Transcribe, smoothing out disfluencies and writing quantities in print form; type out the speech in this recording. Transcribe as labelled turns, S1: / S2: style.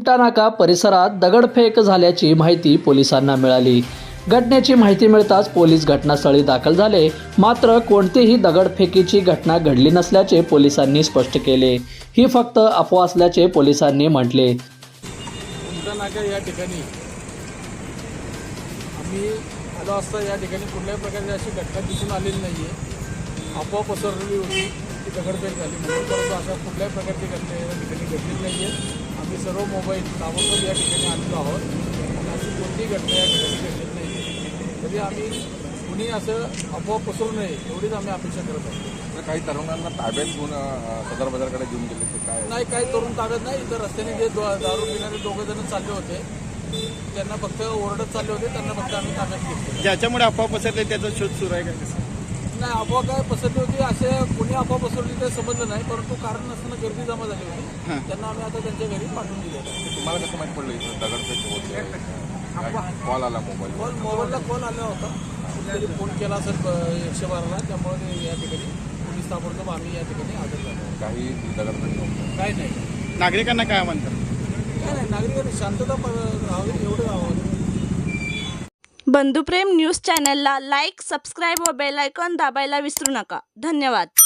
S1: नाका परिसरात दगडफेक झाल्याची माहिती पोलिसांना मिळाली। घटनेची माहिती मिळताच पोलीस घटनास्थळी दाखल झाले, मात्र कोणतीही दगडफेकीची घटना घडली नसल्याचे पोलिसांनी स्पष्ट केले। ही फक्त अफवा असल्याचे पोलिसांनी म्हटले।
S2: नाका या ठिकाणी आम्ही आलो असता या ठिकाणी कुठल्याही प्रकारची अशी घटना दिसून आलेली नाही आहे। अफवा पसरलेली होती की दगडफेक झाली म्हणून, परंतु अशा कुठल्याही प्रकारची घटना या ठिकाणी घडलेली नाही आहे। आम्ही सर्व मोबाईल ताबडतोब या ठिकाणी आणलो आहोत आणि अशी कोणतीही घटना या ठिकाणी घडलेली नाही आहे। तरी आम्ही कुणी असं अफवा पसरू नये एवढीच आम्ही अपेक्षा करत आहोत।
S3: काही तरुणांना ताब्यात घेऊन सदर बाजारकडे घेऊन गेले ते काय
S2: नाही, काही तरुण ताब्यात नाही। इतर रस्त्याने जे दारू पिणारे दोघं जण चालले होते त्यांना फक्त ओरडत चालले होते, त्यांना फक्त आम्ही ताब्यात घेतले।
S4: ज्याच्यामुळे अफवा पसरले त्याचा शोध सुरू आहे का?
S2: नाही, अफवा काय पसरली होती असे कोणी अफवा पसरली ते समजलं नाही, परंतु कारण नसताना गर्दी जमा झाली होती। त्यांना आम्ही आता त्यांच्या घरी पाठवून दिले।
S3: तुम्हाला कसं माहित पडलं इथं दगडफेक होते? कॉल आला
S2: मोबाईलला कॉल आला होता, कुठेतरी फोन केला असेल 112ला, त्यामुळे या ठिकाणी पोलीस ताबडतोब आम्ही या ठिकाणी हजर झालो।
S3: काही दगडफेक नव्हतं?
S2: काही नाही,
S4: नागरिकांना काय म्हणतात?
S2: काय नाही, नागरिकांनी शांतता राहावी एवढं आव्हान।
S5: बंधुप्रेम न्यूज चॅनलला लाईक, सबस्क्राईब व बेल आयकॉन दाबायला विसरू नका। धन्यवाद।